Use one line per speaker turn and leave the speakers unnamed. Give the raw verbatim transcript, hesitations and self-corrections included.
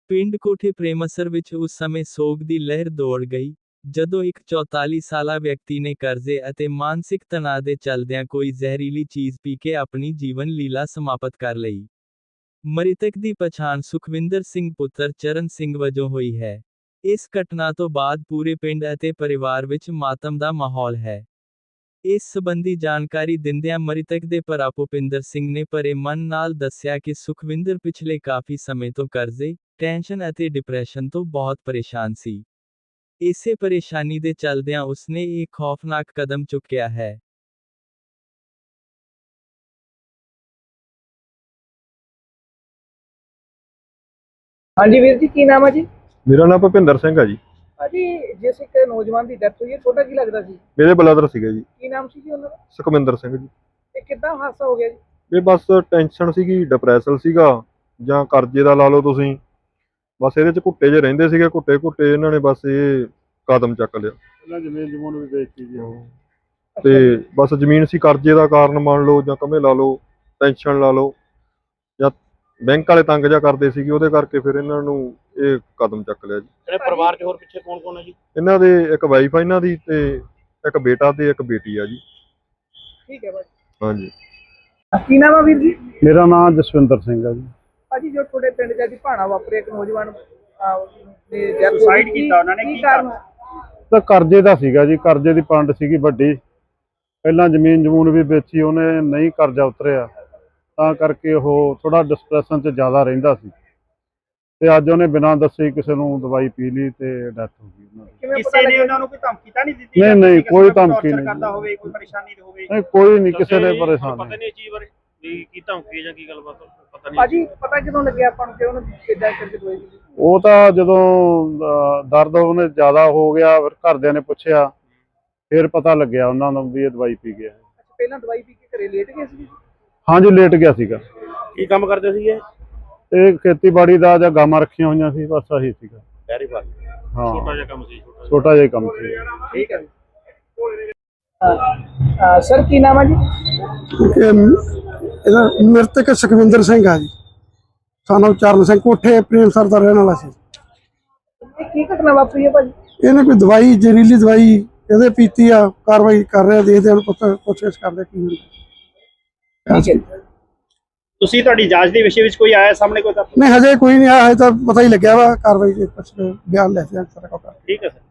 ਪਿੰਡ ਕੋਠੇ ਪ੍ਰੇਮਸਰ ਵਿੱਚ ਉਸ ਸਮੇਂ ਸੋਗ ਦੀ ਲਹਿਰ ਦੌੜ ਗਈ, ਜਦੋਂ ਇੱਕ ਚੌਤਾਲੀ ਸਾਲਾ ਵਿਅਕਤੀ ਨੇ ਕਰਜ਼ੇ ਅਤੇ ਮਾਨਸਿਕ ਤਣਾਅ ਦੇ ਚੱਲਦਿਆਂ ਕੋਈ ਜ਼ਹਿਰੀਲੀ ਚੀਜ਼ ਪੀ ਕੇ ਆਪਣੀ ਜੀਵਨ ਲੀਲਾ ਸਮਾਪਤ ਕਰ ਲਈ। ਮ੍ਰਿਤਕ ਦੀ ਪਛਾਣ ਸੁਖਵਿੰਦਰ ਸਿੰਘ ਪੁੱਤਰ ਚਰਨ ਸਿੰਘ ਵਜੋਂ ਹੋਈ ਹੈ। ਇਸ ਘਟਨਾ ਤੋਂ ਬਾਅਦ ਪੂਰੇ ਪਿੰਡ ਅਤੇ ਪਰਿਵਾਰ ਵਿੱਚ ਮਾਤਮ ਦਾ ਮਾਹੌਲ ਹੈ। ਇਸ ਸੰਬੰਧੀ ਜਾਣਕਾਰੀ ਦਿੰਦਿਆਂ ਮ੍ਰਿਤਕ ਦੇ ਭਰਾ ਭੁਪਿੰਦਰ ਸਿੰਘ ਨੇ ਭਰੇ ਮਨ ਨਾਲ ਦੱਸਿਆ ਕਿ ਸੁਖਵਿੰਦਰ ਪਿਛਲੇ ਕਾਫੀ ਸਮੇਂ ਤੋਂ ਕਰਜ਼ੇ, ਟੈਨਸ਼ਨ ਅਤੇ ਡਿਪਰੈਸ਼ਨ ਤੋਂ ਬਹੁਤ ਪਰੇਸ਼ਾਨ ਸੀ। ਇਸੇ ਪਰੇਸ਼ਾਨੀ ਦੇ ਚੱਲਦਿਆਂ ਉਸਨੇ ਇਹ ਖੌਫਨਾਕ ਕਦਮ ਚੁੱਕਿਆ ਹੈ।
ਹਾਂਜੀ ਵੀਰ ਜੀ, ਕੀ ਨਾਮ ਹੈ ਜੀ?
ਮੇਰਾ ਨਾਮ ਭੁਪਿੰਦਰ ਸਿੰਘ ਹੈ ਜੀ।
ਭਾਜੀ, ਜਿਸ ਇੱਕ ਨੌਜਵਾਨ ਦੀ ਡੈਥ ਹੋਈ ਹੈ, ਤੁਹਾਡਾ ਕੀ ਲੱਗਦਾ ਸੀ?
ਮੇਰੇ ਬ੍ਰਦਰ ਸੀਗੇ ਜੀ।
ਕੀ ਨਾਮ ਸੀ ਜੀ ਉਹਨਾਂ ਦਾ?
ਸੁਖਵਿੰਦਰ ਸਿੰਘ ਜੀ।
ਇਹ ਕਿੱਦਾਂ ਹਾਦਸਾ ਹੋ ਗਿਆ ਜੀ?
ਇਹ ਬਸ ਟੈਨਸ਼ਨ ਸੀਗੀ, ਡਿਪਰੈਸ਼ਨ ਸੀਗਾ, ਜਾਂ ਕਰਜ਼ੇ ਦਾ ਲਾ ਲਓ ਤੁਸੀਂ। ਬਸ ਇਹਦੇ ਚ ਘੁੱਟੇ ਜੇ ਰਹਿੰਦੇ ਸੀਗੇ, ਘੁੱਟੇ ਘੁੱਟੇ ਇਹਨਾਂ ਨੇ ਬਸ ਇਹ ਕਦਮ ਚੱਕ ਲਿਆ।
ਇਹਨਾਂ ਜ਼ਮੀਨ ਜਮੂਨ ਵੀ ਵੇਚਤੀ ਜੀ।
ਤੇ ਬਸ ਜ਼ਮੀਨ ਸੀ ਕਰਜ਼ੇ ਦਾ ਕਾਰਨ ਮੰਨ ਲਓ, ਜਾਂ ਕਮੇ ਲਾ ਲਓ, ਟੈਨਸ਼ਨ ਲਾ ਲਓ, ਜਾਂ ਬੈਂਕ ਵਾਲੇ ਤੰਗ ਜਿਹਾ ਕਰਦੇ ਸੀਗੇ, ਉਹਦੇ ਕਰਕੇ ਫਿਰ ਇਹਨਾਂ ਨੂੰ ਇਹ ਕਦਮ ਚੱਕ ਲਿਆ ਜੀ।
ਜਿਹੜੇ ਪਰਿਵਾਰ 'ਚ ਹੋਰ ਪਿੱਛੇ ਕੌਣ ਕੌਣ ਹੈ ਜੀ?
ਇਹਨਾਂ ਦੇ ਇੱਕ ਵਾਈਫ ਆ ਇਹਨਾਂ ਦੀ, ਤੇ ਇੱਕ ਬੇਟਾ ਤੇ ਇੱਕ ਬੇਟੀ ਆ ਜੀ।
ਠੀਕ ਹੈ ਭਾਜੀ।
ਹਾਂਜੀ।
ਕੀ ਨਾਮ ਹੈ ਵੀਰ ਜੀ?
ਮੇਰਾ ਨਾਮ ਜਸਵਿੰਦਰ ਸਿੰਘ ਹੈ ਜੀ।
ਭਾਜੀ, ਜੋ ਤੁਹਾਡੇ ਪਿੰਡ ਚ ਅੱਜ ਭਾਣਾ ਵਾਪਰਿਆ, ਇੱਕ ਨੌਜਵਾਨ ਨੇ ਡੈਥ
ਸੁਸਾਈਡ ਕੀਤਾ ਉਹਨਾਂ ਨੇ, ਕੀ ਕਾਰਨ? ਤਾਂ ਕਰਜ਼ੇ ਦਾ ਸੀਗਾ ਜੀ, ਕਰਜ਼ੇ ਦੀ ਪੰਡ ਸੀਗੀ ਵੱਡੀ। ਪਹਿਲਾਂ ਜ਼ਮੀਨ ਜਮੂਨ ਵੀ ਵੇਚੀ ਉਹਨੇ, ਨਹੀਂ ਕਰਜ਼ਾ ਉਤਰਿਆ, ਤਾਂ ਕਰਕੇ ਉਹ ਥੋੜਾ ਡਿਸਪਰੈਸ਼ਨ 'ਚ ਜ਼ਿਆਦਾ ਰਹਿੰਦਾ ਸੀ। ਤੇ ਅੱਜ ਉਹਨੇ ਬਿਨਾਂ ਦੱਸੇ ਕਿਸੇ ਨੂੰ ਦਵਾਈ ਪੀ ਲਈ ਤੇ ਡੈਥ ਹੋ ਗਈ ਉਹਨਾਂ ਦੀ।
ਕਿਸੇ ਨੇ ਉਹਨਾਂ ਨੂੰ ਕੋਈ ਧਮਕੀ ਤਾਂ ਨਹੀਂ ਦਿੱਤੀ?
ਨਹੀਂ ਨਹੀਂ, ਕੋਈ ਧਮਕੀ ਨਹੀਂ
ਕਰਦਾ ਹੋਵੇ, ਕੋਈ ਪਰੇਸ਼ਾਨੀ ਹੋਵੇ?
ਨਹੀਂ, ਕੋਈ ਨਹੀਂ, ਕਿਸੇ ਨੇ ਪਰੇਸ਼ਾਨ
ਪਤਾ ਨਹੀਂ ਚੀਜ਼ ਬਾਰੇ ਵੀ ਕੀ ਧਮਕੀ ਜਾਂ ਕੀ ਗੱਲਬਾਤ ਪਤਾ ਨਹੀਂ।
ਭਾਜੀ, ਪਤਾ ਕਿਦੋਂ ਲੱਗਿਆ ਆਪਾਂ ਨੂੰ ਕਿ ਉਹਨੂੰ ਕਿੱਦਾਂ ਕਰਕੇ ਦਵਾਈ ਦਿੱਤੀ?
ਉਹ ਤਾਂ ਜਦੋਂ ਅਹ, ਦਰਦ ਉਹਨੇ ਜ਼ਿਆਦਾ ਹੋ ਗਿਆ, ਫਿਰ ਘਰਦਿਆਂ ਨੇ ਪੁੱਛਿਆ, ਫਿਰ ਪਤਾ ਲੱਗਿਆ ਉਹਨਾਂ ਨੂੰ ਵੀ ਇਹ ਦਵਾਈ ਪੀ ਗਿਆ।
ਅੱਛਾ, ਪਹਿਲਾਂ ਦਵਾਈ ਪੀ ਕੇ ਘਰੇ ਲੇਟ ਗਏ ਸੀ?
ਹਾਂਜੀ, ਲੇਟ ਗਿਆ ਸੀਗਾ।
ਕੀ ਕੰਮ ਕਰਦੇ ਸੀਗੇ?
ਇਹ ਖੇਤੀਬਾੜੀ ਦਾ ਜਾਂ ਗਾਵਾਂ ਰੱਖੀਆਂ ਹੋਈਆਂ ਸੀ, ਬਸ ਆਹੀ ਸੀਗਾ।
Dairy farm.
ਹਾਂ,
ਛੋਟਾ ਜਿਹਾ ਕੰਮ ਸੀ।
ਛੋਟਾ ਜਿਹਾ ਕੰਮ ਸੀ।
ਠੀਕ ਹੈ। ਸਰ, ਕੀ ਨਾਮ ਹੈ ਜੀ?
ਇਹਦਾ ਮ੍ਰਿਤਕ ਸੁਖਵਿੰਦਰ ਸਿੰਘ ਆ ਜੀ, ਸਾਨੂੰ ਚਰਨ ਸਿੰਘ, ਕੋਠੇ ਪ੍ਰੇਮਸਰ ਦਾ ਰਹਿਣ ਵਾਲਾ ਸੀ।
ਇਹ ਕੀ ਘਟਨਾ ਵਾਪਰੀ ਹੈ ਭਾਜੀ?
ਇਹਨੇ ਕੋਈ ਦਵਾਈ, ਜ਼ਹਿਰੀਲੀ ਦਵਾਈ ਇਹਦੇ ਪੀਤੀ ਆ। ਕਾਰਵਾਈ ਕਰ ਰਿਹਾ, ਦੇਖਦੇ ਹਾਂ ਪੁੱਛ ਪੁੱਛ ਕਰਦੇ ਕੀ ਹੁੰਦਾ।
ਠੀਕ ਹੈ।
ਤੁਸੀਂ ਤੁਹਾਡੀ ਜਾਂਚ ਦੇ ਵਿਸ਼ੇ ਵਿੱਚ ਕੋਈ ਆਇਆ ਸਾਹਮਣੇ ਕੋਈ?
ਨਹੀਂ, ਹਜੇ ਕੋਈ ਨਹੀਂ ਆਇਆ, ਹਜੇ ਤਾਂ ਪਤਾ ਹੀ ਲੱਗਿਆ ਵਾ। ਕਾਰਵਾਈ ਦੇ ਕੁਛ ਬਿਆਨ ਲੈ ਕੇ ਸਾਰਾ ਕੁਝ।
ਠੀਕ ਹੈ ਸਰ।